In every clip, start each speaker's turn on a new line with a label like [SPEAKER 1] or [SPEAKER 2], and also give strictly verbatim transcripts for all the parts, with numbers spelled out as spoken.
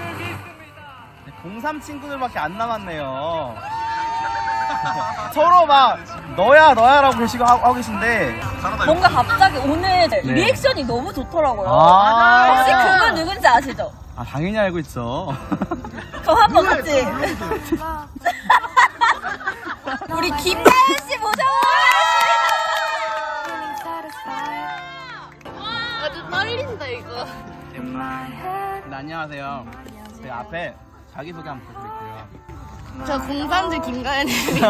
[SPEAKER 1] 공삼 친구들밖에 안 남았네요. 서로 막 너야 너야라고 계시고 하고, 하고 계신데
[SPEAKER 2] 뭔가 갑자기 오늘
[SPEAKER 1] 네.
[SPEAKER 2] 리액션이 너무 좋더라고요.
[SPEAKER 1] 아
[SPEAKER 2] 혹시 그분 누군지 아시죠?
[SPEAKER 1] 아 당연히 알고 있죠.
[SPEAKER 2] 그럼 한번 같이 우리 김다현 씨 모셔보겠습니다.
[SPEAKER 3] 아주 떨린다 이거.
[SPEAKER 1] 네, 안녕하세요. 제 앞에 자기소개 한번 부탁드릴게요.
[SPEAKER 3] 저 공삼주 김가연입니다.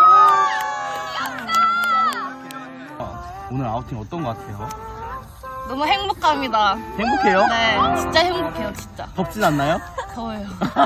[SPEAKER 1] 어, 오늘 아우팅 어떤 것 같아요?
[SPEAKER 3] 너무 행복합니다.
[SPEAKER 1] 행복해요?
[SPEAKER 3] 네, 진짜 행복해요, 진짜.
[SPEAKER 1] 덥진 않나요?
[SPEAKER 3] 더워요.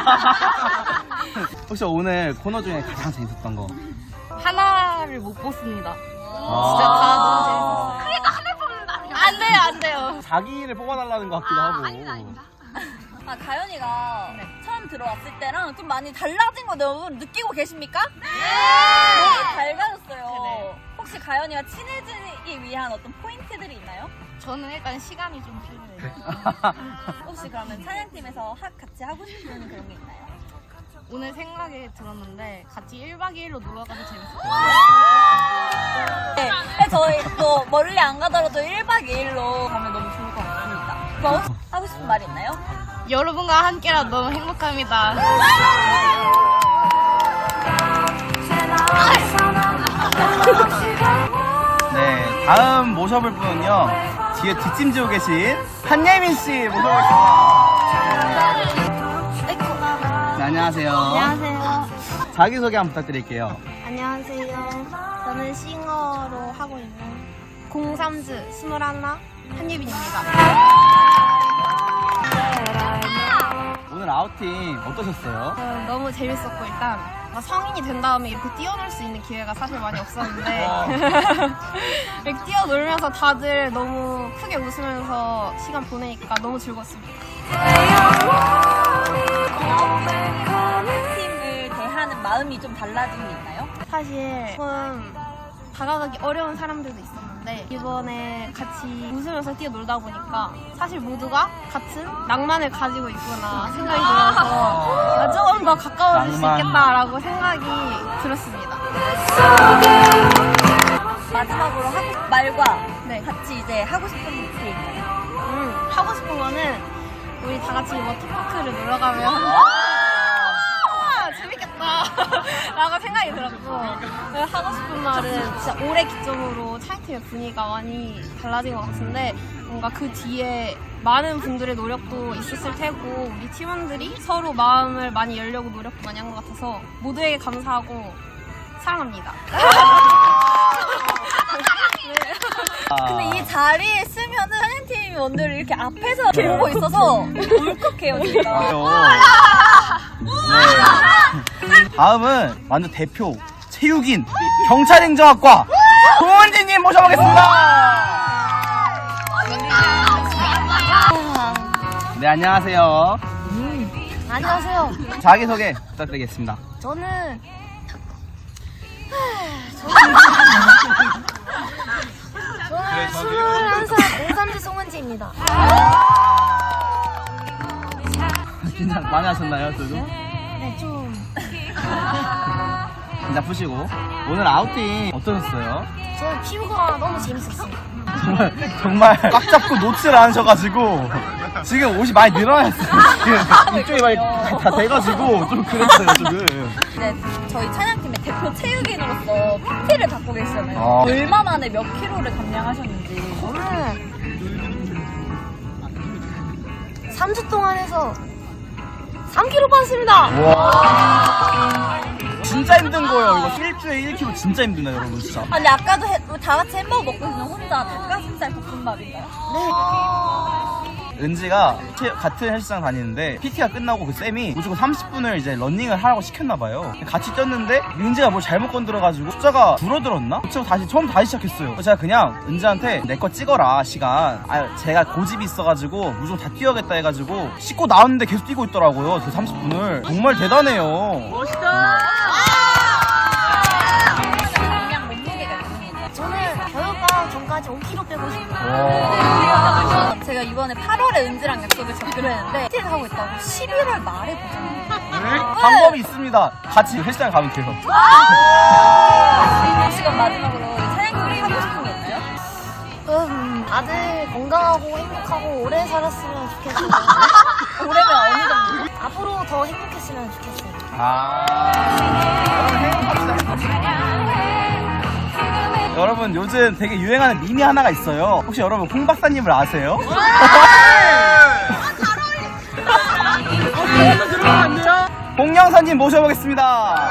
[SPEAKER 1] 혹시 오늘 코너 중에 가장 재밌었던 거?
[SPEAKER 3] 하나를 못 뽑습니다.
[SPEAKER 1] 아.
[SPEAKER 3] 진짜 다 너무 재밌었어요. 그러니까 하나 뽑는다. 안 돼요, 안 돼요.
[SPEAKER 1] 자기를 뽑아달라는 것 같기도 하고.
[SPEAKER 2] 아, 가연이가 처음 들어왔을 때랑 좀 많이 달라진 거 너무 느끼고 계십니까? 네! 너무 밝아졌어요.
[SPEAKER 3] 네.
[SPEAKER 2] 혹시 가연이와 친해지기 위한 어떤 포인트들이 있나요?
[SPEAKER 3] 저는 일단 시간이 좀 필요해요.
[SPEAKER 2] 혹시 그러면 찬양팀에서 하, 같이 하고 싶은 그런 게 있나요?
[SPEAKER 3] 오늘 생각이 들었는데 같이 일박 이일로 놀러 가도 재밌을 것
[SPEAKER 2] 네, 근데 저희 또 멀리 안 가더라도 일박 이일로 가면 너무 좋을 것 같습니다. 그거 혹시 하고 싶은 말 있나요?
[SPEAKER 3] 같아요. 여러분과 함께라 너무 행복합니다.
[SPEAKER 1] 네, 다음 모셔볼 분은요. 뒤에 뒷짐지고 계신 한예민 씨 모셔보겠습니다. 네, 안녕하세요.
[SPEAKER 4] 안녕하세요.
[SPEAKER 1] 자기소개 한번 부탁드릴게요.
[SPEAKER 4] 안녕하세요. 저는 싱어로 하고 있는 공삼주 스물하나 한예빈입니다.
[SPEAKER 1] 오늘 아우팅 어떠셨어요?
[SPEAKER 4] 어, 너무 재밌었고 일단 성인이 된 다음에 이렇게 뛰어놀 수 있는 기회가 사실 많이 없었는데 이렇게 뛰어놀면서 다들 너무 크게 웃으면서 시간 보내니까 너무 즐거웠습니다.
[SPEAKER 2] 팀을 대하는 마음이 좀 달라진 게 있나요?
[SPEAKER 4] 사실 조금 다가가기 어려운 사람들도 있었는데 이번에 같이 웃으면서 뛰어놀다 보니까 사실 모두가 같은 낭만을 가지고 있구나 생각이 들어서 조금 더 가까워질 수
[SPEAKER 1] 낭만.
[SPEAKER 4] 있겠다라고 생각이 들었습니다.
[SPEAKER 2] 마지막으로 하고 싶은 말과
[SPEAKER 4] 네.
[SPEAKER 2] 같이 이제 하고 싶은 게 있나요?
[SPEAKER 4] 음, 하고 싶은 거는 우리 다 같이 워터파크를 놀러 가면 재밌겠다 라고 생각이 들었고 하고 싶은 말은 진짜 올해 기점으로 차이팀의 분위기가 많이 달라진 것 같은데 뭔가 그 뒤에 많은 분들의 노력도 있었을 테고 우리 팀원들이 서로 마음을 많이 열려고 노력도 많이 한 것 같아서 모두에게 감사하고 사랑합니다.
[SPEAKER 2] 근데 이 자리에 있으면은 찬양팀 원들이 이렇게 앞에서 이렇게 보고 있어서 울컥해요 진짜.
[SPEAKER 1] 맞아요. 네. 다음은 완전 대표 체육인 경찰행정학과 송은지님 모셔보겠습니다. 네, 안녕하세요.
[SPEAKER 4] 안녕하세요.
[SPEAKER 1] 자기소개 부탁드리겠습니다.
[SPEAKER 4] 저는 저는 스물한 살 공삼주 송은지입니다.
[SPEAKER 1] 긴장 많이 하셨나요, 저도?
[SPEAKER 4] 네, 좀
[SPEAKER 1] 긴장 푸시고. 오늘 아우팅 어떠셨어요?
[SPEAKER 4] 저는 피부가 너무 재밌었어요.
[SPEAKER 1] 정말, 정말 꽉 잡고 놓지를 않으셔가지고 지금 옷이 많이 늘어났어요. 지금 이쪽이 많이 다, 다 돼가지고 좀 그랬어요, 지금.
[SPEAKER 2] 네, 저희 찬양팀의 대표 체육인으로서 피티를 받고 계시잖아요.
[SPEAKER 1] 아.
[SPEAKER 2] 얼마 만에 몇 킬로를 감량하셨는지.
[SPEAKER 4] 저는 삼 주 동안 해서 삼 킬로그램 빠졌습니다.
[SPEAKER 1] 와. 진짜 힘든 거예요. 이거 일주에 일 킬로그램 진짜 힘드네요, 여러분, 진짜.
[SPEAKER 2] 아니 아까도 해, 다 같이 햄버거 먹고 있는 혼자 닭가슴살 볶음밥인가요?
[SPEAKER 1] 은지가 체- 같은 헬스장 다니는데 피티가 끝나고 그 쌤이 무조건 삼십 분을 이제 러닝을 하라고 시켰나봐요. 같이 뛰었는데 은지가 뭘 잘못 건드려가지고 숫자가 줄어들었나? 그쵸, 다시 처음 다시 시작했어요. 그래서 제가 그냥 은지한테 내 거 찍어라 시간. 아 제가 고집이 있어가지고 무조건 다 뛰어야겠다 해가지고 씻고 나왔는데 계속 뛰고 있더라고요. 그 삼십 분을 정말 대단해요.
[SPEAKER 2] 감량 몸무게가 있습니다.
[SPEAKER 4] 저는 겨울방학 전까지
[SPEAKER 2] 빨리 오 킬로그램 빼고 싶어요. 제가 이번에 팔월에 은지랑 약속을 잡기로 했는데 피티를 하고 있다고 십일월 말에 보잖아요.
[SPEAKER 1] 방법이 있습니다. 같이 헬스장 가면 돼요.
[SPEAKER 2] 시간 마지막으로 사장님이 하고 싶은 게 있나요?
[SPEAKER 3] 음, 다들 건강하고 행복하고 오래 살았으면 좋겠어요.
[SPEAKER 2] 올해면 어느 정도?
[SPEAKER 3] 앞으로 더 행복했으면 좋겠어요.
[SPEAKER 1] 아. 여러분 요즘 되게 유행하는 밈이 하나가 있어요. 혹시 여러분 홍 박사님을 아세요? 홍 영사님 모셔보겠습니다.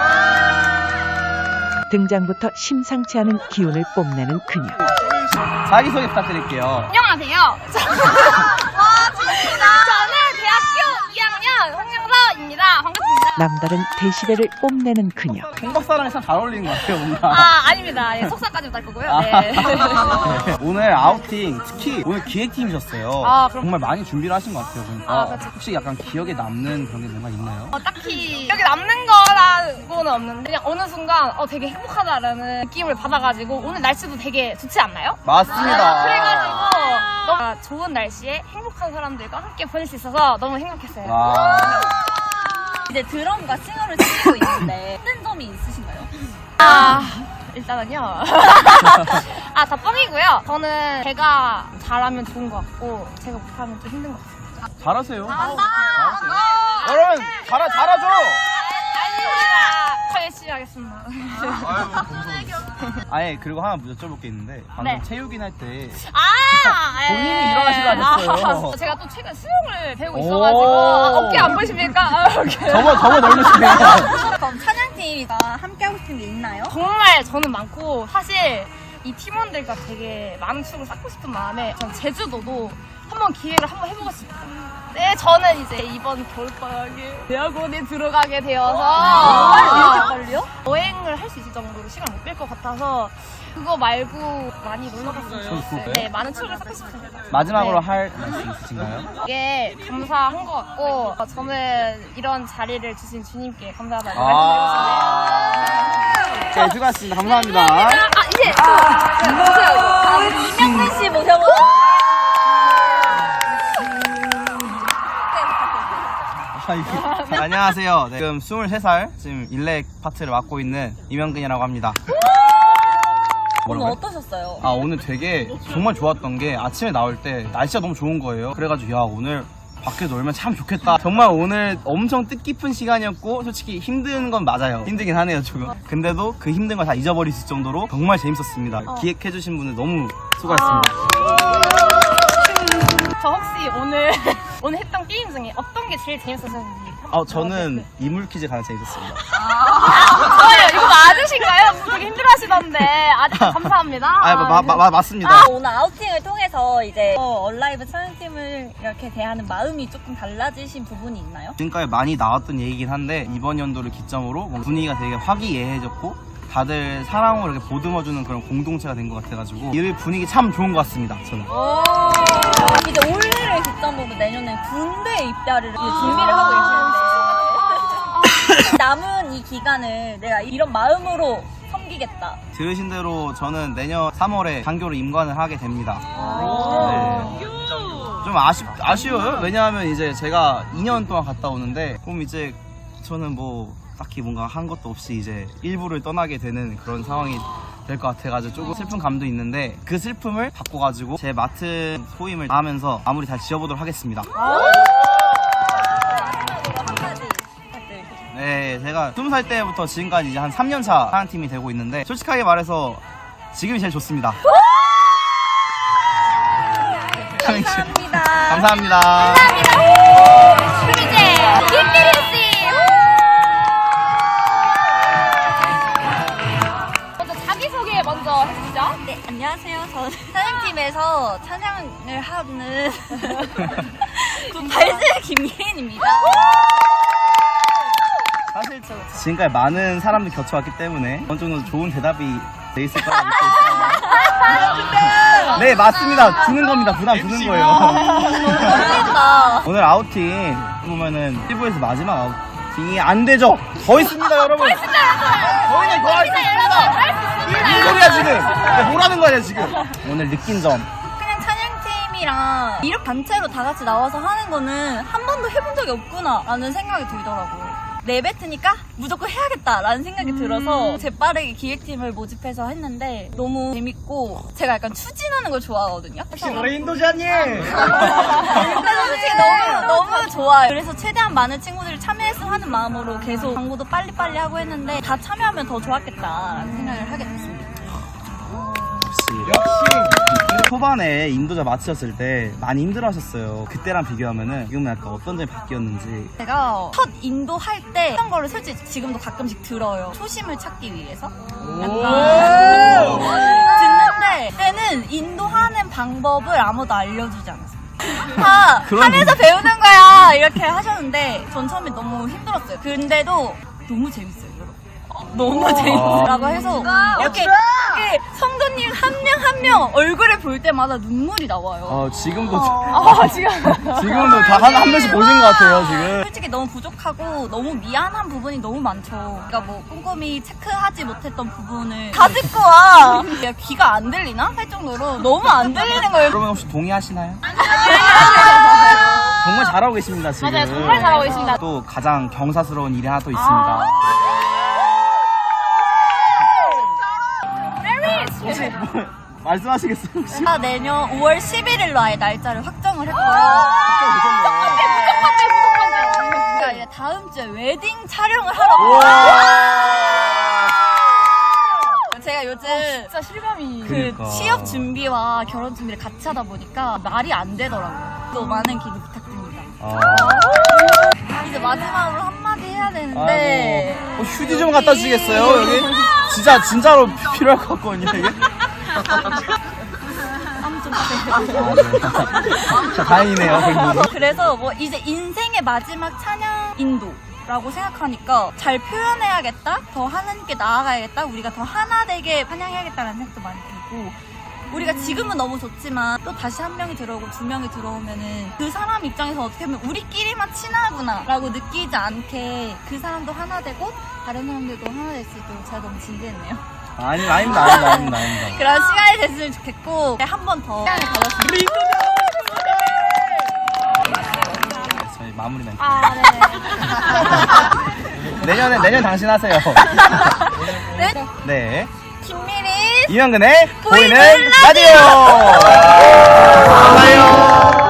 [SPEAKER 5] 등장부터 심상치 않은 기운을 뽐내는 그녀.
[SPEAKER 1] 자기소개 부탁드릴게요.
[SPEAKER 3] 안녕하세요. 저는 대학교 이 학년 홍영서입니다. 반갑습니다.
[SPEAKER 5] 남다른 데시벨을 뽐내는 그녀.
[SPEAKER 1] 홍 박사랑 참 잘 어울리는 것 같아요, 뭔가.
[SPEAKER 3] 아, 아닙니다. 예, 속사까지 달 거고요. 네.
[SPEAKER 1] 네. 오늘 아우팅, 특히 오늘 기획팀이셨어요.
[SPEAKER 3] 아, 그럼-
[SPEAKER 1] 정말 많이 준비를 하신 것 같아요, 보니까.
[SPEAKER 3] 아, 그렇죠.
[SPEAKER 1] 혹시 약간 기억에 남는 그런 게 뭔가 있나요?
[SPEAKER 3] 어, 딱히 기억에 남는 거라고는 없는데 그냥 어느 순간 어, 되게 행복하다라는 느낌을 받아가지고 오늘 날씨도 되게 좋지 않나요?
[SPEAKER 1] 맞습니다.
[SPEAKER 3] 그래가지고 너무 좋은 날씨에 행복한 사람들과 함께 보낼 수 있어서 너무 행복했어요.
[SPEAKER 1] 와.
[SPEAKER 2] 이제 드럼과 싱어를 치고 있는데 힘든 점이 있으신가요?
[SPEAKER 3] 아, 일단은요. 아, 다 뻥이고요. 저는 제가 잘하면 좋은 것 같고 제가 못하면 좀 힘든 것 같아요.
[SPEAKER 1] 잘하세요.
[SPEAKER 3] 잘한다.
[SPEAKER 1] 잘하세요. 여러분, 잘하, 잘하죠?
[SPEAKER 3] 아닙니다. 더 열심히 하겠습니다.
[SPEAKER 1] 아예, 그리고 하나 여쭤볼 게 있는데, 방금
[SPEAKER 3] 네.
[SPEAKER 1] 체육인 할 때,
[SPEAKER 3] 아,
[SPEAKER 1] 본인이
[SPEAKER 3] 예.
[SPEAKER 1] 일어나시라셨어요.
[SPEAKER 3] 아, 제가 또 최근 수영을 배우고 있어가지고 아, 어깨 안 보이십니까? 아, 이렇게.
[SPEAKER 1] 저거, 저거 넓으시네요.
[SPEAKER 2] 그럼 찬양팀이가 함께 하고 싶은 게 있나요?
[SPEAKER 3] 정말 저는 많고 사실 이 팀원들과 되게 많은 추억을 쌓고 싶은 마음에 전 제주도도 한번 기회를 한번 해보고 싶어요. 네, 저는 이제 이번 겨울방학에 대학원에 들어가게 되어서
[SPEAKER 2] 아, 이렇게 빨리요?
[SPEAKER 3] 여행을 할 수 있을 정도로 시간 못 뺄 것 같아서 그거 말고 많이 놀러 갔으면 좋겠어요. 네, 많은 추억을 쌓고 싶습니다.
[SPEAKER 1] 마지막으로
[SPEAKER 3] 네.
[SPEAKER 1] 할 말씀 있으신가요?
[SPEAKER 3] 이게 감사한 것 같고 어, 저는 이런 자리를 주신 주님께 감사하다고
[SPEAKER 1] 아.
[SPEAKER 3] 말씀드리고 싶네요.
[SPEAKER 1] 네, 수고하셨습니다. 감사합니다.
[SPEAKER 3] 아, 이제
[SPEAKER 2] 아, 우리 이명근 씨 모셔보고.
[SPEAKER 1] 아, 이게- 네, 안녕하세요. 네, 지금 스물세 살, 지금 일렉 파트를 맡고 있는 이명근이라고 합니다.
[SPEAKER 2] 오늘
[SPEAKER 1] 뭐라고요?
[SPEAKER 2] 어떠셨어요?
[SPEAKER 1] 아, 오늘 되게 정말 좋았던 게 아침에 나올 때 날씨가 너무 좋은 거예요. 그래가지고 야, 오늘 밖에 놀면 참 좋겠다. 정말 오늘 엄청 뜻깊은 시간이었고 솔직히 힘든 건 맞아요. 힘들긴 하네요, 조금. 근데도 그 힘든 걸 다 잊어버릴 수 있을 정도로 정말 재밌었습니다. 기획해주신 분들 너무 수고하셨습니다.
[SPEAKER 3] 저 혹시 오늘 오늘 했던 게임 중에 어떤 게 제일 재밌었는지
[SPEAKER 1] 어, 저는 이물 퀴즈 가장 재밌었습니다.
[SPEAKER 3] 좋아요. 이거 맞으신가요? 되게 힘들어하시던데 아주 감사합니다.
[SPEAKER 1] 아, 마, 마, 마, 맞습니다.
[SPEAKER 2] 아, 오늘 아우팅을 통해서 이제 어, 얼라이브 찬양팀을 이렇게 대하는 마음이 조금 달라지신 부분이 있나요?
[SPEAKER 1] 지금까지 많이 나왔던 얘기긴 한데 이번 연도를 기점으로 뭔가 분위기가 되게 화기애애해졌고 다들 사랑으로 이렇게 보듬어주는 그런 공동체가 된 것 같아가지고 이 분위기 참 좋은 것 같습니다, 저는.
[SPEAKER 2] 이제 올해를 기점으로 내년에 군대 입대를 이제 준비를 하고 계시는데 남은 이 기간을 내가 이런 마음으로 섬기겠다.
[SPEAKER 1] 들으신 대로 저는 내년 삼월에 장교로 임관을 하게 됩니다. 네. 좀 아쉽, 아쉬워요. 왜냐하면 이제 제가 이 년 동안 갔다 오는데 그럼 이제 저는 뭐 딱히 뭔가 한 것도 없이 이제 일부를 떠나게 되는 그런 상황이 될 것 같아가지고 조금 슬픈 감도 있는데 그 슬픔을 바꿔가지고 제 맡은 소임을 하면서 마무리 잘 지어보도록 하겠습니다.
[SPEAKER 2] 한마디 부탁드릴게요.
[SPEAKER 1] 네, 제가 스무 살 때부터 지금까지 이제 한 삼 년 차 사랑팀이 되고 있는데 솔직하게 말해서 지금이 제일 좋습니다.
[SPEAKER 2] 감사합니다.
[SPEAKER 1] 감사합니다.
[SPEAKER 3] 그럼 이제 김미리 씨 먼저 자기 소개 먼저 해주시죠.
[SPEAKER 2] 네, 안녕하세요. 저는 찬양팀에서 찬양을 하는 발즈 김예인입니다.
[SPEAKER 1] 사실 지금까지 많은 사람들 겪어왔기 때문에 어느 정도 좋은 대답이 돼 있을 거라고 믿고 있어요. 네, 맞습니다. 주는 겁니다. 부담 주는 거예요.
[SPEAKER 2] 어울린다.
[SPEAKER 1] 오늘 아우팅 보면은 일부에서 마지막 딩이 안 되죠. 더 있습니다, 여러분. 더 있습니다, 저희는 더 할 수 있습니다. 이 소리야 지금. 뭐라는 거야 지금. 오늘 느낀 점.
[SPEAKER 2] 그냥 찬양팀이랑 이렇게 단체로 다 같이 나와서 하는 거는 한 번도 해본 적이 없구나 라는 생각이 들더라고요. 내뱉으니까 무조건 해야겠다라는 생각이 들어서 재빠르게 기획팀을 모집해서 했는데 너무 재밌고 제가 약간 추진하는 걸 좋아하거든요.
[SPEAKER 1] 혹시 우리 인도자님?
[SPEAKER 2] 근데 솔직히 너무 너무 좋아요. 그래서 최대한 많은 친구들이 참여했으면 하는 마음으로 계속 광고도 빨리빨리 하고 했는데 다 참여하면 더 좋았겠다라는 생각을 하게 됐습니다.
[SPEAKER 1] 역시 초반에 인도자 마치셨을 때 많이 힘들어하셨어요. 그때랑 비교하면은 지금은 약간 어떤 점이 바뀌었는지.
[SPEAKER 2] 제가 첫 인도 할 때 했던 거를 솔직히 지금도 가끔씩 들어요. 초심을 찾기 위해서. 약간 듣는데 그때는 인도하는 방법을 아무도 알려주지 않았어요. 다 하면서 배우는 거야 이렇게 하셨는데 전 처음에 너무 힘들었어요. 근데도 너무 재밌어요. 여러분. 너무 재밌어요. 라고 해서 이렇게, 이렇게 성도님 한 명 한 명 얼굴을 볼 때마다 눈물이 나와요.
[SPEAKER 1] 어, 지금도
[SPEAKER 2] 아, 지금.
[SPEAKER 1] 지금도 다 한 한 번씩 보신 것 같아요 지금.
[SPEAKER 2] 솔직히 너무 부족하고 너무 미안한 부분이 너무 많죠. 그러니까 뭐 꼼꼼히 체크하지 못했던 부분을 다 듣고 와. 야, 귀가 안 들리나? 할 정도로 너무 안 들리는 거예요.
[SPEAKER 1] 여러분 혹시 동의하시나요? 정말 잘하고 계십니다 지금.
[SPEAKER 3] 맞아요, 정말 잘하고 계십니다.
[SPEAKER 1] 또 가장 경사스러운 일이 하나 또 있습니다. 혹시 뭐 말씀하시겠어요? 혹시?
[SPEAKER 2] 제가 내년 오월 십일일로 아예 날짜를 확정을 했고요. 그러니까 이제 다음 주에 웨딩 촬영을 하러 제가 요즘
[SPEAKER 3] 진짜 실감이.
[SPEAKER 2] 그
[SPEAKER 1] 그러니까.
[SPEAKER 2] 취업 준비와 결혼 준비를 같이 하다 보니까 말이 안 되더라고요. 또 많은 기대 부탁드립니다.
[SPEAKER 1] 아,
[SPEAKER 2] 이제 마지막으로 한마디 해야 되는데
[SPEAKER 1] 아이고. 어, 휴지 좀 갖다 주시겠어요 여기? 진짜 진짜로 필요할 것 같거든요 이게. 자 다행이네요. 그래도.
[SPEAKER 2] 그래서 뭐 이제 인생의 마지막 찬양 인도라고 생각하니까 잘 표현해야겠다, 더 하나님께 나아가야겠다, 우리가 더 하나 되게 찬양해야겠다는 생각도 많이 들고, 우리가 지금은 너무 좋지만 또 다시 한 명이 들어오고 두 명이 들어오면은 그 사람 입장에서 어떻게 보면 우리끼리만 친하구나 라고 느끼지 않게 그 사람도 하나 되고 다른 사람들도 하나 될 수 있도록 제가 너무 진지했네요.
[SPEAKER 1] 아니 아닙니다 아닙니다 아닙니다 아닙니다.
[SPEAKER 2] 그런 시간이 됐으면 좋겠고 한 번 더 시간을 가졌으면
[SPEAKER 1] 저희 마무리 멘트.
[SPEAKER 3] 아, 네.
[SPEAKER 1] 내년에 내년 당신 하세요.
[SPEAKER 2] 네?
[SPEAKER 1] 네.
[SPEAKER 2] 김미리
[SPEAKER 1] 이명근의
[SPEAKER 2] 보이는
[SPEAKER 1] 보이는 라디오. 감사해요.